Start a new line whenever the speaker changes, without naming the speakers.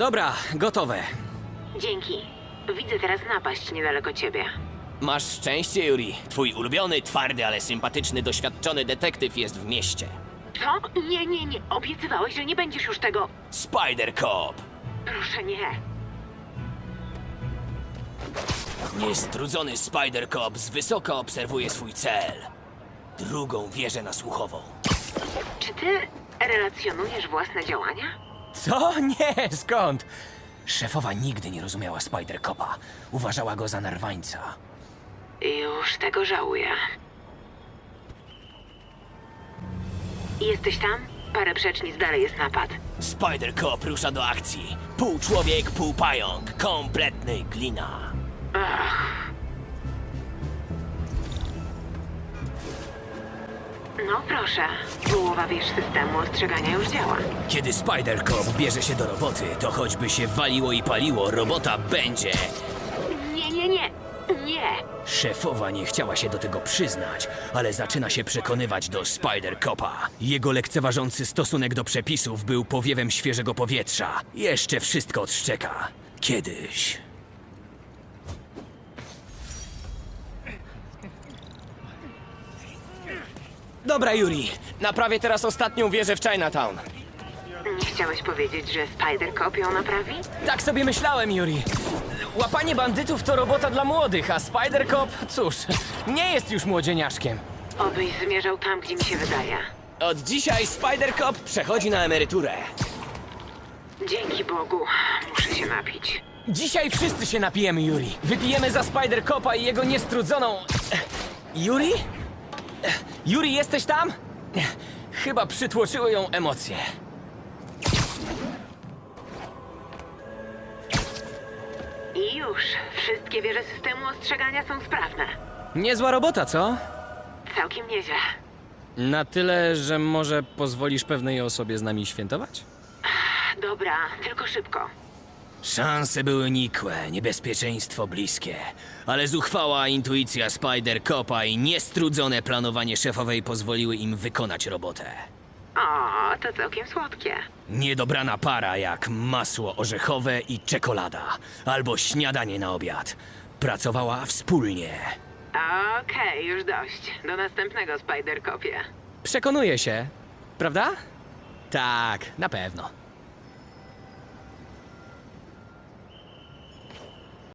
Dobra, gotowe.
Dzięki. Widzę teraz napaść niedaleko ciebie.
Masz szczęście, Yuri. Twój ulubiony, twardy, ale sympatyczny, doświadczony detektyw jest w mieście.
Co? Nie. Obiecywałeś, że nie będziesz już tego...
Spider Cop!
Proszę, nie.
Niestrudzony Spider Cop z wysoka obserwuje swój cel. Drugą wieżę nasłuchową.
Czy ty relacjonujesz własne działania?
Co? Nie, skąd? Szefowa nigdy nie rozumiała Spider Copa. Uważała go za narwańca.
Już tego żałuję. Jesteś tam? Parę przecznic dalej jest napad.
Spider Cop rusza do akcji. Pół człowiek, pół pająk. Kompletny glina.
No proszę, połowa wież systemu ostrzegania już działa.
Kiedy Spider Cop bierze się do roboty, to choćby się waliło i paliło, robota będzie.
Nie!
Szefowa nie chciała się do tego przyznać, ale zaczyna się przekonywać do Spider Copa. Jego lekceważący stosunek do przepisów był powiewem świeżego powietrza. Jeszcze wszystko odszczeka. Kiedyś. Dobra, Yuri. Naprawię teraz ostatnią wieżę w Chinatown.
Nie chciałeś powiedzieć, że Spider Cop ją naprawi?
Tak sobie myślałem, Yuri. Łapanie bandytów to robota dla młodych, a Spider Cop, cóż, nie jest już młodzieniaszkiem.
Obyś zmierzał tam, gdzie mi się wydaje.
Od dzisiaj Spider Cop przechodzi na emeryturę.
Dzięki Bogu, muszę się napić.
Dzisiaj wszyscy się napijemy, Yuri. Wypijemy za Spider Copa i jego niestrudzoną... Yuri? Yuri, jesteś tam? Chyba przytłoczyły ją emocje.
I już, wszystkie wieże systemu ostrzegania są sprawne.
Niezła robota, co?
Całkiem nieźle.
Na tyle, że może pozwolisz pewnej osobie z nami świętować?
Dobra, tylko szybko.
Szanse były nikłe, niebezpieczeństwo bliskie, ale zuchwała intuicja Spider Copa i niestrudzone planowanie szefowej pozwoliły im wykonać robotę.
O, to całkiem słodkie.
Niedobrana para jak masło orzechowe i czekolada, albo śniadanie na obiad. Pracowała wspólnie.
Okej, już dość. Do następnego Spider Copie.
Przekonuje się, prawda? Tak, na pewno.